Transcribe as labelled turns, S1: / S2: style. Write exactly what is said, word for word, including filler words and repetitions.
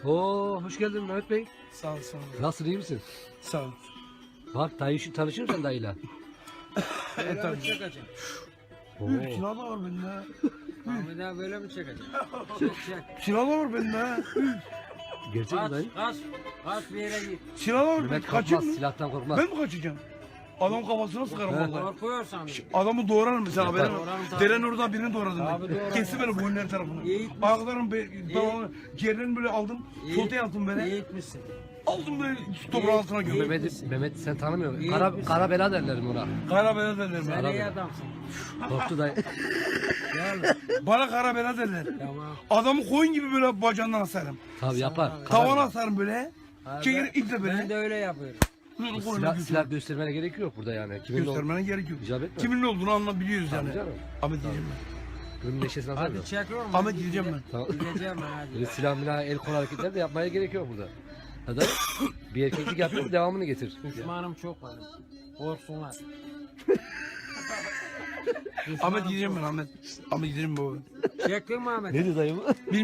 S1: Oo, hoş geldin Mehmet Bey.
S2: Sağ ol, sağ ol.
S1: Nasılsın, iyi misin?
S2: Sağ ol.
S1: Bak dayı şu tanışır mısın dayıyla?
S3: Böyle
S2: tabii.
S3: mi çekeceksin?
S1: Oo.
S2: Üf, kilo da var bende.
S3: Ahmet abi böyle mi çekeceksin? Çek çek.
S2: Kilo da var bende.
S1: Gerçek mi
S3: Kaç,
S1: dayı?
S3: kaç, kaç bir yere git.
S2: Kilo da var bende.
S1: Mehmet
S2: Kaçayım
S1: korkmaz,
S2: mı?
S1: silahtan korkmaz.
S2: Ben mi kaçacağım? Adam kafasına sıkarım
S1: He.
S2: vallahi.
S3: Korkuyorsan.
S2: Adamı doğrarım mesela.
S1: Yapar.
S2: Benim
S3: Doğrarım tabii.
S2: deren orada birini doğradım
S3: Tabii
S2: ben.
S3: doğrarım.
S2: Kesti beni boynun her tarafını.
S3: İyi gitmiş.
S2: Ayaklarım be, tamamı, ciğerlerini böyle aldım.
S3: İyi.
S2: Sote yaptım böyle.
S3: İyi etmişsin.
S2: Aldım böyle toprağın altına
S3: İyi.
S2: gömdüm.
S1: Mehmet, Mehmet sen tanımıyorsun.
S3: İyi
S1: Kara,
S3: etmişsin.
S1: kara bela derler ona.
S2: Kara bela derler
S3: Sen
S2: bana.
S3: iyi adamsın.
S1: Korktu dayı.
S3: Gel.
S2: Bana kara bela derler.
S3: Tamam.
S2: Adamı koyun gibi böyle bacağından asarım.
S1: Tabii yapar.
S3: Abi.
S1: Kara
S2: Tavana
S1: bela.
S2: asarım böyle.
S3: Abi,
S2: Çekerim iple böyle.
S3: Ben de öyle yapıyorum.
S2: Böyle koyuna
S1: Silah,
S2: götürürüm.
S1: silah göstermene gerek yok burada yani. Kimin ne olduğunu
S2: Göstermene gerek yok.
S1: icap etme.
S2: Kimin ne olduğunu anlayabiliyoruz
S1: Tabii
S2: yani.
S1: canım.
S2: Ahmet diyeceğim ben.
S1: Gönlün neşesini atar mı?
S3: Hadi çekiyorum.
S2: Ahmet
S3: hadi
S2: gideceğim
S3: gide-
S2: ben.
S1: Tamam.
S3: Gideceğim ben hadi.
S1: Böyle silah milah el kol hareketleri de yapmaya gerek yok burada. Hadi bir erkeklik yapıyor devamını getir.
S3: Düşmanım çok var. Korksunlar.
S2: Ahmet gideceğim ben Ahmet. Ahmet gideceğim baba.
S3: Çektin mi Ahmet?
S1: Ne diyor dayı bu?